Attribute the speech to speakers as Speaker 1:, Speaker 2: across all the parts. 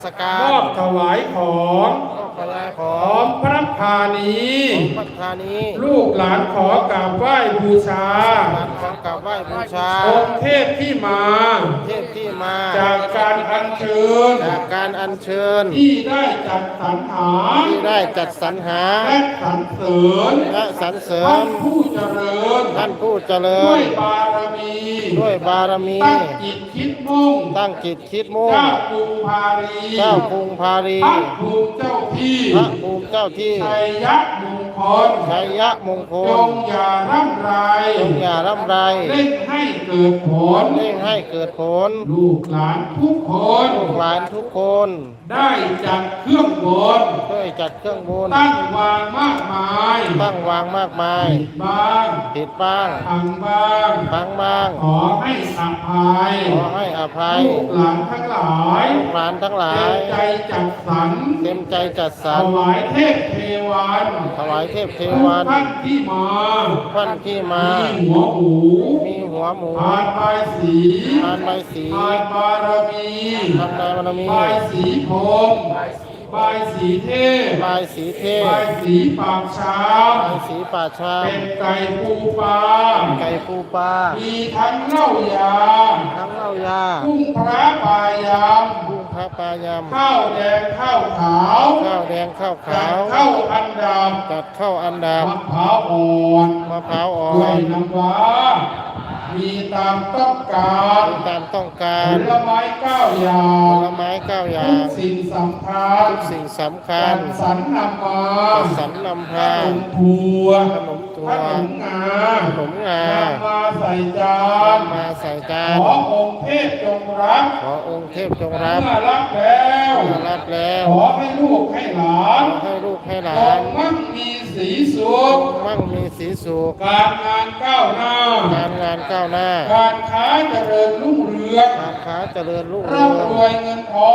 Speaker 1: สการ
Speaker 2: มอบถวายของ
Speaker 1: พระราข
Speaker 2: ข
Speaker 1: อ
Speaker 2: องพระพาณี
Speaker 1: พระธานี
Speaker 2: ลูกหลานขอกราบไหว้บูชา
Speaker 1: หลานของกราบไหว้บูชา
Speaker 2: องค์เทพที่มา
Speaker 1: เทพที่มา
Speaker 2: จากการอัญเชิญ
Speaker 1: จากการอัญเชิญ
Speaker 2: ที่ได้จัดสรรหา
Speaker 1: ที่ได้จัดสรรหา
Speaker 2: และสรรเสริญ
Speaker 1: และสรรเสริญ
Speaker 2: ท่านผู้เจริญ
Speaker 1: ท่านผู้เจริ
Speaker 2: ด้ว
Speaker 1: ญ
Speaker 2: ยบารมี
Speaker 1: ด้วยบารมี
Speaker 2: ตั้งจิตคิดมุ่ง
Speaker 1: ตั้งจิตคิดมุ่ง
Speaker 2: เจ้ากรุงพารี
Speaker 1: เจ้ากรุงพารี
Speaker 2: พระภูมิเจ้าที่
Speaker 1: พระภูมิเจ้าที่
Speaker 2: ชัยยะมงคล
Speaker 1: ชัยยะมงค
Speaker 2: จ
Speaker 1: ล
Speaker 2: งอย่าร่ำไร
Speaker 1: จงอย่าร่ำไร
Speaker 2: เร่งให้เกิดผล
Speaker 1: เร่งให้เกิดผล
Speaker 2: ลูกหลานทุกคน
Speaker 1: ลูกหลานทุกคน
Speaker 2: ได้จัดเครื่องบน
Speaker 1: ด้วยจัดเครื่องบุญ
Speaker 2: ตั้งวางมากมาย
Speaker 1: ตั้งวางมากมาย
Speaker 2: บ้าง
Speaker 1: ผิดบ้าง
Speaker 2: พังบ้าง
Speaker 1: พังบ้าง
Speaker 2: ขอให้อภัย
Speaker 1: ขอให้อภัย
Speaker 2: ลูกหลานทั้งหลาย
Speaker 1: ลูกหลานทั้งหลาย
Speaker 2: เต็มใจจัดสรร
Speaker 1: เต็มใจจัดสรร
Speaker 2: ถวายเทพเทวัน
Speaker 1: ถวายเทพเทวัน
Speaker 2: ท่านที่มา
Speaker 1: ท่านที่มา
Speaker 2: มีหัวหมู
Speaker 1: มีหัวหมู
Speaker 2: ทานใบสี
Speaker 1: ทานใบสี
Speaker 2: ทานบารมี
Speaker 1: ทานบารมี
Speaker 2: ใบสีพรมใบสีเทพ
Speaker 1: ใบสีเทพ
Speaker 2: ใบสีปากช้า
Speaker 1: ใบสีป่าช้า
Speaker 2: เป็นไก่ปูปลา
Speaker 1: ไก่ปูปลา
Speaker 2: มีทั้งเหล้ายา
Speaker 1: ทั้งเหล้ายา
Speaker 2: กุ้งพระปลายำ
Speaker 1: กุ้งพระปลายำ
Speaker 2: ข้าวแดงข้าวขาว
Speaker 1: ข้าวแดงข้าวขาว
Speaker 2: ข้าวอันดำ
Speaker 1: จัดข้าวอันดำ
Speaker 2: มะพร้าวอ่อน
Speaker 1: มะพร้าวอ่อ
Speaker 2: ด้วย
Speaker 1: น
Speaker 2: น้ำว้ามีตามต้องการ
Speaker 1: ตามต้องการ
Speaker 2: ผลไม้9 อย่า
Speaker 1: ผ
Speaker 2: ง
Speaker 1: ลไม้9 อย่า
Speaker 2: ทุ
Speaker 1: ง
Speaker 2: กสิ่งสำคัญ
Speaker 1: ทุกสิ่งสำคัญ
Speaker 2: สรรนำมา
Speaker 1: สรรนำพา
Speaker 2: ขนมทัว
Speaker 1: ขนมตัว
Speaker 2: ขนมงา
Speaker 1: ขนมงาน
Speaker 2: ำมาใส่จาน
Speaker 1: มาใส่จาน
Speaker 2: ขอองค์เทพจงรับ
Speaker 1: ขอองค์เทพจงรับ
Speaker 2: เมื่อรับแล้ว
Speaker 1: เมื่อรับแล้ว
Speaker 2: ขอให้ลูกให้หลาน
Speaker 1: ขอให้ลูกให้หลาน
Speaker 2: มั่งมีสีสุข
Speaker 1: มั่งมีสีสุข
Speaker 2: การงานก้าวหน้า
Speaker 1: การงานก้าวหน้า
Speaker 2: การค้าเจริญรุ่งเรือง
Speaker 1: การค้าเจริญรุ่งเรือง
Speaker 2: ร่ำรวยเงินทอง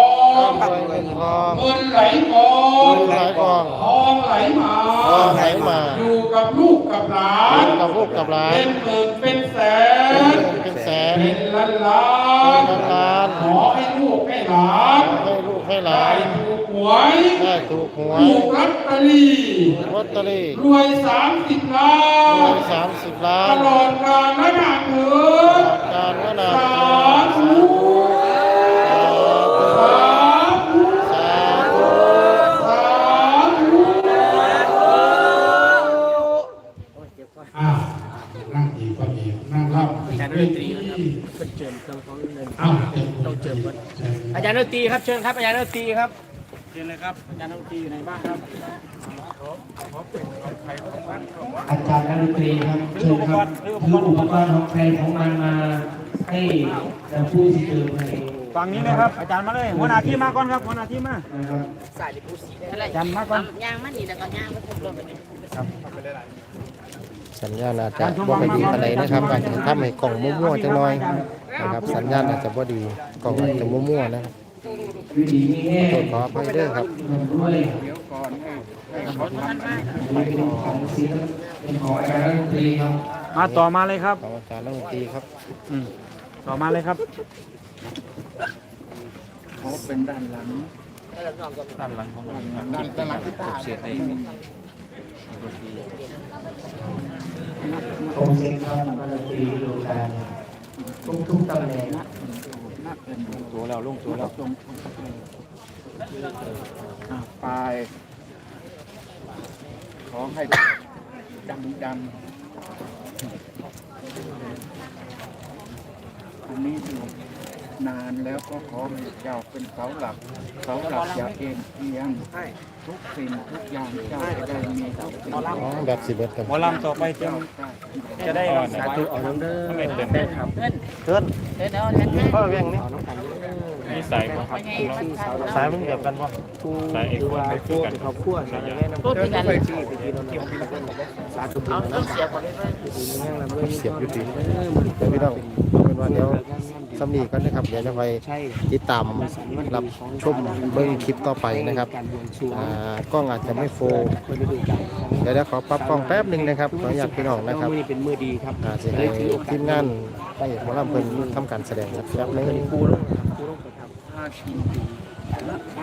Speaker 1: ร่ำรวยเงินทอง
Speaker 2: เงินไหลกอง
Speaker 1: เงินไหลกอง
Speaker 2: ทองไหลมา
Speaker 1: ทองไหลมา
Speaker 2: อยู่กับลูกกับหลาน
Speaker 1: อยู่กับลูกกับหลาน
Speaker 2: เป็นหมื่นเป็นแสน
Speaker 1: เป็นแสน
Speaker 2: เป็นล้านล้า
Speaker 1: เป็นล้าน
Speaker 2: ขอให้ลูกให้หลาน
Speaker 1: ขอให้ลูกให้หลา
Speaker 2: ได้
Speaker 1: น
Speaker 2: ถูกหวย
Speaker 1: ได้ถูกหวย
Speaker 2: ถูกลอตเตอรี่
Speaker 1: ลอตเตอรี่
Speaker 2: รวย30 ล้าน
Speaker 1: รวย30 ล้า
Speaker 2: ต
Speaker 1: น
Speaker 2: ลอดกาลและนานเถิด
Speaker 1: การวนา
Speaker 2: สาธุสาธุ
Speaker 1: สาธุ
Speaker 2: สาธุนั่งอีกก็อีกนั่งรับอาจารย์ดนตรีครับเชิญเครื่องของเงินต้องเชิญอาจารย์ดนตรีครับเชิญครับอาจารย์ดนตรีครับเชิญเลยครับอาจารย์ดนตรีอยู่ในบ้านครับ
Speaker 3: อาจารย์ดนตรีครับเชิญครับถืออุปกรณ์ของใครของมันมาให้ผู้ที่เจอเพลง
Speaker 2: ฝั่งนี้เลยครับอาจารย์มาเลยหัวหน้าที่มาก่อนครับหัวหน้าที่มาอาจารย์มาก่อน
Speaker 4: ยางมันนี่แล้วก็ยางมันทุบลงไปนี่ครับ
Speaker 1: สัญญาณอาจจะบ่ค่อยดีอะไรนะครับอาจจะทำให้กล่องมั่วๆจังหน่อยนะครับสัญญาณอาจจะบ่ดีกล่องอาจจะมั่วๆนะครับขออภัยด้วยครับ
Speaker 2: มาต่อมาเลยครับ
Speaker 1: อาจารย์ดนตรีครับ
Speaker 2: ต่อมาเลยครับเขาเป็นด้านหลังของด้านหลังที่ตาเสียเอง
Speaker 3: โอเคครับดนตรีดูการทุกตำแหน่ง
Speaker 2: ตัวแล้วลงตัวแล้วไปขอให้ดังอันนี้อยู่นานแล้วก็ขอให้เจ้าเป็นเสาหลักอย่าเอ็นเอียงทุกสิ่งทุกอย่างเจ้าจะได้มีทุกสิ่ง
Speaker 1: แบบสิบเอ็ดครับ
Speaker 2: หมอลำต่อไปจะได้สาธุเอาน้ำเด้อไม่เต็ม
Speaker 1: ครับเกินพ่อเวียงนี่
Speaker 2: นี่ใส่
Speaker 1: สายมันเดียวกันป่ะ
Speaker 2: ใส่เอกคนไม่คู่กัน
Speaker 1: เขาขั้วใส่ยังไงน้ำเกินไปสาธุเอาเสียบก่อนเลยเสียบอยู่ดีพี่น้องเป็นว่าเดี๋ยวสำนีก็นะครับเดี๋ยวจะไปติดตามรับชมเบิ้งคลิปต่อไปนะครับกล้องอาจจะไม่โฟล์เดี๋ยวขอปรับกล้องแป๊บหนึ่งนะครับขออนุญาตพี่น้องนะครับ
Speaker 3: เป็นมือดีครับ
Speaker 1: จะให้ทีมงานไปหมอลำเพิ่นทำการแสดงครับแป๊บนึง